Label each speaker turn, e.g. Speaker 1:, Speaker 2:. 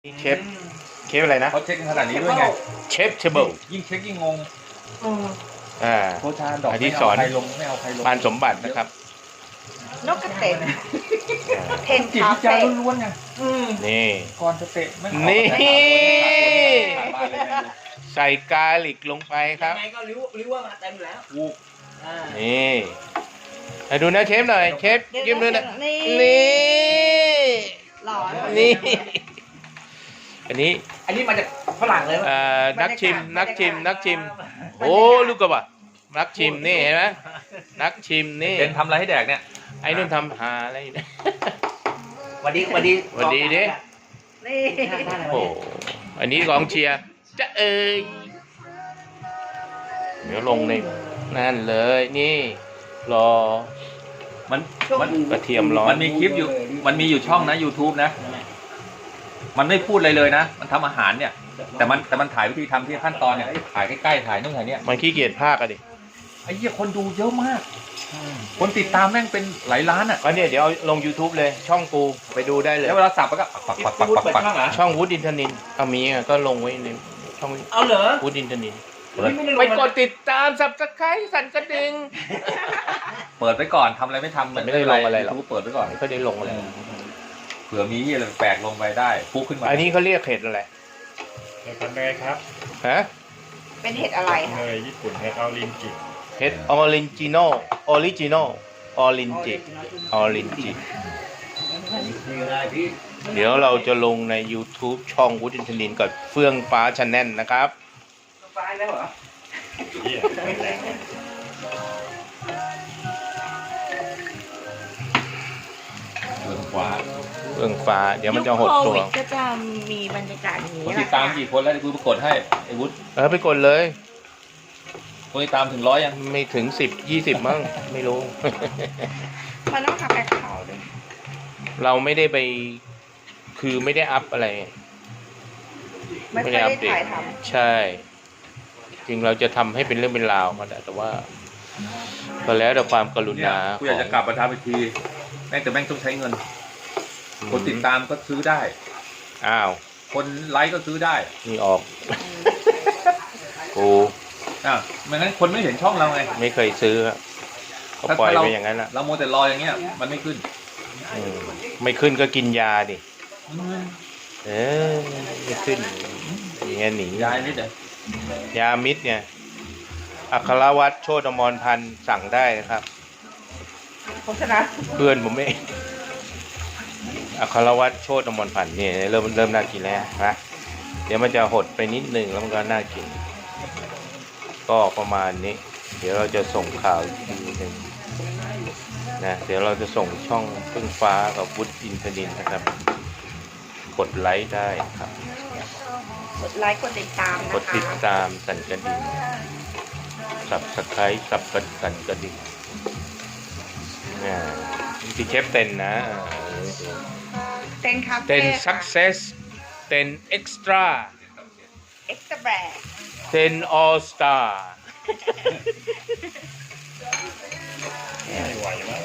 Speaker 1: เชฟอะไรนะ
Speaker 2: เขาเช็คขนาดนี้ด้วยไง
Speaker 1: เชฟเทเบิล
Speaker 2: ยิ่งเช็คยิ่งงงโคชาดอก
Speaker 1: อ
Speaker 2: ไม่
Speaker 1: สอน
Speaker 2: เอาใครลงไม่เอาใครลง
Speaker 1: ปานสมบัตินะครับ
Speaker 3: นกกระเตนเทน
Speaker 2: จิต
Speaker 3: คา
Speaker 2: วิจาร
Speaker 3: เฟ่
Speaker 2: ล้วนๆไง
Speaker 1: นี่
Speaker 2: ก่อนจะเตะไม่เอา
Speaker 1: นี่
Speaker 2: ขาดบ้านเลยนะ
Speaker 1: ใส่กาลิกลงไปครับ
Speaker 4: ยังไงก็ริ้วว่ามาเต็มแล้ว
Speaker 2: วูบ
Speaker 1: นี่ให้ดูนะเชฟหน่อยเชฟยิ้มด้วยนะ
Speaker 3: นี่
Speaker 1: นี่
Speaker 3: หล่อ
Speaker 1: นี่ อันนี้
Speaker 4: อันนี้มาจากฝรั่งเลย
Speaker 1: นักชิมโอ้ลูกกระบะนักชิมนี่เห็นไหมนักชิมนี่
Speaker 2: เป็นทำอะไรให้แดกเนี่ย
Speaker 1: ไอ้นุ่นทำหาอะไรอยู่เนี่ย
Speaker 4: วันดี
Speaker 1: หวัดดีดิ
Speaker 3: นี่
Speaker 1: โอ้อันนี้กองเชียร์จะเดี๋ยวลงในนั่นเลยนี่รอ
Speaker 2: มัน
Speaker 1: กระเทียมร้อน
Speaker 2: มันมีคลิปอยู่มันมีอยู่ช่องนะ YouTube นะ มันไม่พูดอะไรเลยนะมันทำอาหารเนี่ยแต่มันถ่ายวิธีทำที่ขั้นตอนเนี่ยถ่ายใกล้ๆถ่ายนู่นถ่ายเนี่ย
Speaker 1: มันขี้เกียจภาคอะดิ
Speaker 2: ไอ้เหี้ยคนดูเยอะมากคนติดตามแม่งเป็นหลายล้านอ่ะ
Speaker 1: ก็เนี่ยเดี๋ยวเอาลง YouTube เลยช่องกูไปดูได้เลย
Speaker 2: แล้วเวลาสับก็ปัก
Speaker 4: พูดเปิดช่องเหรอ
Speaker 1: ช่องวูดอินทนินเอามีอะก็ลงไว้ในช่อง
Speaker 4: เอาเหรอ
Speaker 1: วูดอินทนิน
Speaker 4: ไม่ได้ลง
Speaker 1: ไปกดติดตาม Subscribe สั่นกระดิ่ง
Speaker 2: เปิดไว้ก่อนทำอะไรไม่ทำ
Speaker 1: ไม่ได้ลงอะไรหรอก
Speaker 2: YouTube เปิดไว้ก่อน
Speaker 1: ไม่ค่อยได้ลงอะไร
Speaker 2: เผื่อมีอะไรแปลกลงไปได้ปุ๊บขึ้นมา
Speaker 1: อันนี้เขาเรียกเห็ดอะไร
Speaker 5: เห็ดพันเนยครับ
Speaker 1: ฮะ
Speaker 3: เป็นเห็ดอะไร
Speaker 5: เน
Speaker 3: คะ
Speaker 5: ยญี่ปุ่นเห็ดออรินจิ
Speaker 1: เห็ดออริจินอลิจินอรินจิเดี๋ยวเราจะลงใน YouTube ช่องวูดอินทนินกับเฟื่องฟ้าชาแนลนะครับ
Speaker 4: ไฟแล้วเหรอ
Speaker 5: เยี่ยมแรง
Speaker 2: เบื้องขวา
Speaker 1: เฟื่องฟ้าเดี๋ยวมันจะหดตัว
Speaker 3: ยุคโควิดก็จะมีบรรยากาศอย่างนี้
Speaker 2: คน
Speaker 3: แห
Speaker 2: ติ
Speaker 3: ละ
Speaker 2: ดตามกี่คนแล้วกูกดให้ไอ้วุฒิ
Speaker 1: ไปกดเลย
Speaker 2: คนติดตามถึง100ยัง
Speaker 1: ไม่ถึง10-20มั้งไม่รู้
Speaker 3: มันต้องทำแอคเคาท์ด้วย
Speaker 1: เราไม่ได้ไปคือไม่ได้อัพอะไร
Speaker 3: ไม่ค่อยได้ถ่ายท
Speaker 1: ใช่ จริงเราจะทำให้เป็นเรื่องเป็นราวก็ได้แต่ว่าก็แล้วแต่ความกรุ
Speaker 2: เนี่ย
Speaker 1: ณา
Speaker 2: กูอยากจะกลับมาทำอีกทีแม่งแต่แม่งต้องใช้เงิน คนติดตามก็ซื้อได้
Speaker 1: อ้าว
Speaker 2: คนไลค์ก็ซื้อได้
Speaker 1: นี่ออก กู
Speaker 2: ไม่งั้นคนไม่เห็นช่องเราไง
Speaker 1: ไม่เคยซื้อครับก็ปล่อยไปอย่างนั้นแหละ
Speaker 2: เราโมวแต่รออย่างเงี้ยมันไม่ขึ้น
Speaker 1: ไม่ขึ้นก็กินยาดิไม่ขึ้นอย่างเงี้ยหนี
Speaker 2: ยายนิดเดียวย
Speaker 1: ามิดเนี่ยอัครวัตรโชติอมรพันธ์สั่งได้นะครับ
Speaker 3: ำโฆษณา
Speaker 1: เพื่อนผมเองอัครวัตรโชติอมรพันธ์เนี่ยเริ่มน่ากินแล้วนะเดี๋ยวมันจะหดไปนิดนึงแล้วมันก็น่ากินก็ประมาณนี้เดี๋ยวเราจะส่งข่าวอีกทีหนึ่งนะเดี๋ยวเราจะส่งช่องเพิ่งฟ้ากับวุฒิอินทนินนะครับกดไลค์ได้ครับ
Speaker 3: กดไลค์กดติดตามนะคะ
Speaker 1: กดติดตามสั่นกระดิ่งSubscribeสั่นกระดิ่งที่เชฟเต็นนะ
Speaker 3: เต้นคา
Speaker 1: เต็
Speaker 3: เฟ่
Speaker 1: น success เต็น extra
Speaker 3: เอ็กซ์ตร้าแบรนด์
Speaker 1: เต็น all star
Speaker 5: ไม่ไหวมั้ง